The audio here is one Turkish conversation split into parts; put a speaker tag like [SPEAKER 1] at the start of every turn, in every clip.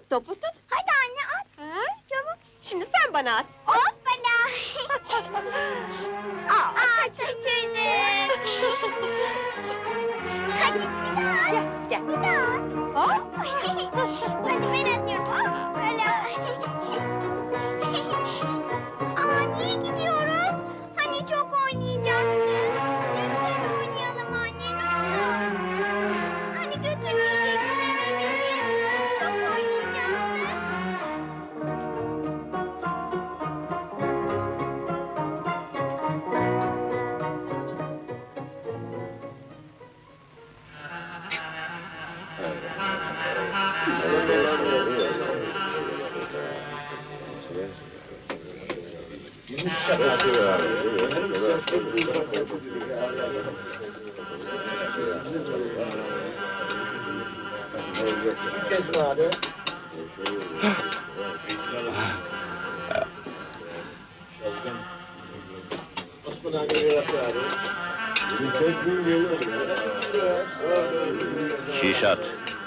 [SPEAKER 1] Tut topu tut.
[SPEAKER 2] Hadi anne at.
[SPEAKER 1] Çabuk. Şimdi sen bana at.
[SPEAKER 2] Hoppala. Aa, çocuk. Hadi bir daha.
[SPEAKER 1] Gel.
[SPEAKER 2] Bir daha.
[SPEAKER 1] Hop.
[SPEAKER 2] Hadi ben atıyorum. Hoppala. Aa, niye gidiyoruz? Hani çok oynayacaktık. Lütfen oynayalım anne, ne olur. Hani götürmeyecektin eve bizi. Çok oynayacaktık.
[SPEAKER 3] Şişat.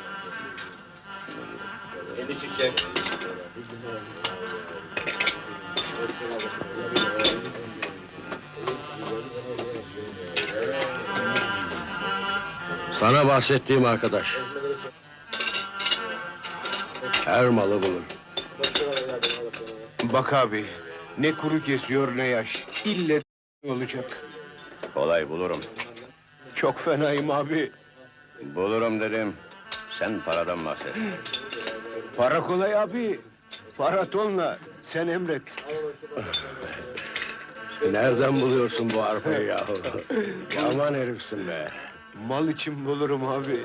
[SPEAKER 4] Sana bahsettiğim arkadaş. Her malı bulur.
[SPEAKER 5] Bak abi, ne kuru kesiyor ne yaş. İlle olacak.
[SPEAKER 3] Kolay bulurum.
[SPEAKER 5] Çok fenayım abi.
[SPEAKER 3] Bulurum dedim. Sen paradan bahset.
[SPEAKER 5] Para kolay abi. Para tonla. Sen emret.
[SPEAKER 4] Nereden buluyorsun bu arpayı yahu? Yaman herifsin be.
[SPEAKER 5] Mal için bulurum abi.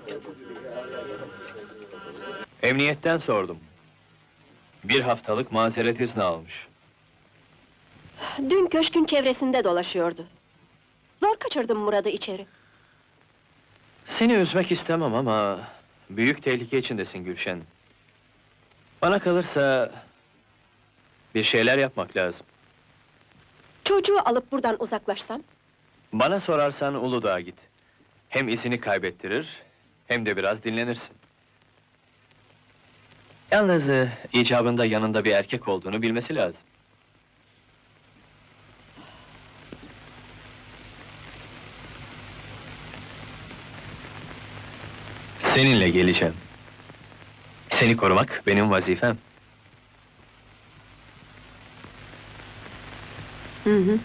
[SPEAKER 6] Emniyetten sordum. Bir haftalık mazeret izni almış.
[SPEAKER 1] Dün köşkün çevresinde dolaşıyordu. Zor kaçırdım Murat'ı içeri.
[SPEAKER 6] Seni üzmek istemem ama... büyük tehlike içindesin Gülşen. Bana kalırsa... bir şeyler yapmak lazım.
[SPEAKER 1] Çocuğu alıp buradan uzaklaşsam?
[SPEAKER 6] Bana sorarsan Uludağ'a git. Hem izini kaybettirir... hem de biraz dinlenirsin. Yalnız icabında yanında bir erkek olduğunu bilmesi lazım. Seninle geleceğim. Seni korumak benim vazifem.
[SPEAKER 1] Hı.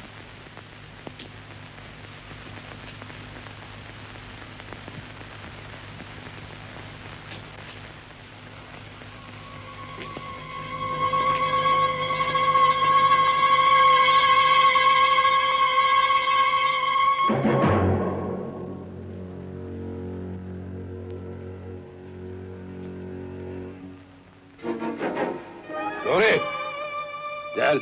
[SPEAKER 4] Nuri! Gel.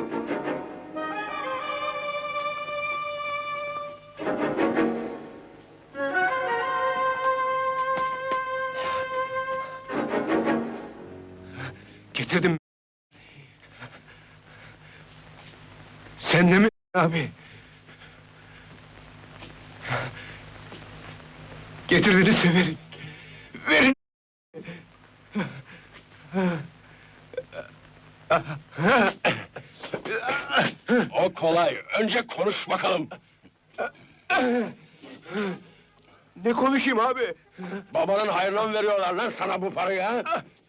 [SPEAKER 5] Getirdim. Sen de mi abi? Getirdiğini severim. Verin.
[SPEAKER 4] O kolay. Önce konuş bakalım.
[SPEAKER 5] Ne konuşayım abi?
[SPEAKER 4] Babanın hayrına mı veriyorlar lan sana bu parayı ha?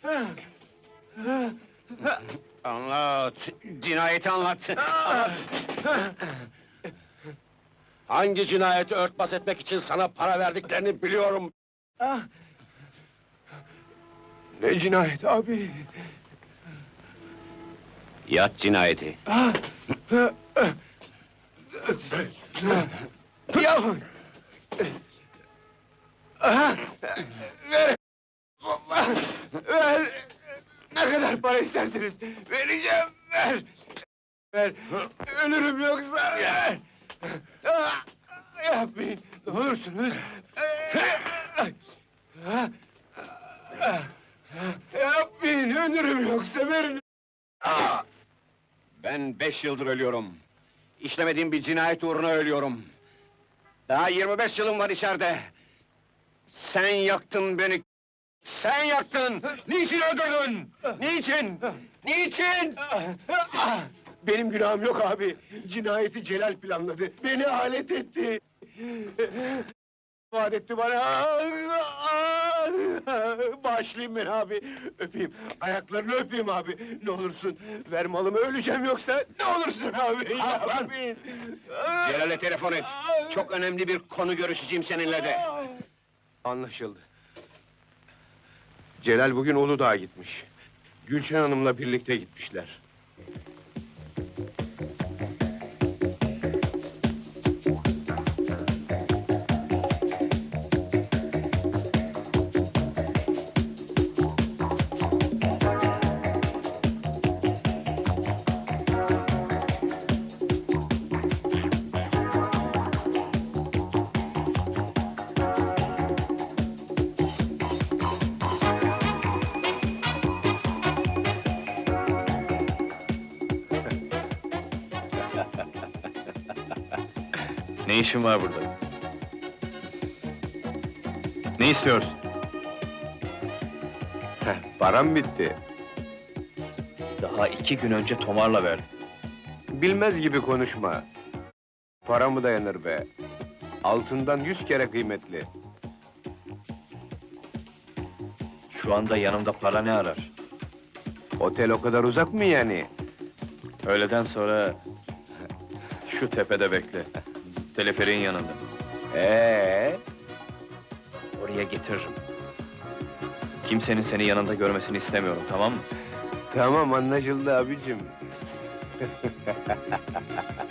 [SPEAKER 3] Anlat. Cinayeti anlat.
[SPEAKER 4] Hangi cinayeti örtbas etmek için sana para verdiklerini biliyorum.
[SPEAKER 5] Ne cinayet abi?
[SPEAKER 3] Yat cinayeti.
[SPEAKER 5] Ya! Ver! Ver! Ne kadar para istersiniz? Vereceğim, ver! Ver! Ölürüm yoksa, ver! Yapmayın, ne olursunuz! Yapmayın, ölürüm yoksa verin!
[SPEAKER 3] Ben 5 yıldır ölüyorum. İşlemediğim bir cinayet uğruna ölüyorum. Daha 25 yılım var içeride. Sen yaktın beni. Sen yaktın! Niçin öldürdün? Niçin? Niçin?
[SPEAKER 5] Benim günahım yok abi. Cinayeti Celal planladı. Beni alet etti. Vaat etti bana. Bağışlayın beni abi. Öpeyim. Ayaklarını öpeyim abi. Ne olursun. Ver malımı, öleceğim yoksa. Ne olursun abi. Yapmayın.
[SPEAKER 3] Celal'e telefon et. Çok önemli bir konu görüşeceğim seninle de.
[SPEAKER 5] Anlaşıldı. Celal bugün Uludağ'a gitmiş. Gülşen Hanım'la birlikte gitmişler.
[SPEAKER 6] Ne işin var burada? Ne istiyorsun?
[SPEAKER 5] Param bitti.
[SPEAKER 6] Daha 2 gün önce tomarla verdim.
[SPEAKER 5] Bilmez gibi konuşma. Para mı dayanır be? Altından 100 kere kıymetli.
[SPEAKER 6] Şu anda yanımda para ne arar?
[SPEAKER 5] Otel o kadar uzak mı yani?
[SPEAKER 6] Öğleden sonra şu tepede bekle. Teleferiğin yanında. Oraya getiririm. Kimsenin seni yanında görmesini istemiyorum, tamam mı?
[SPEAKER 5] Tamam, anlaşıldı abicim.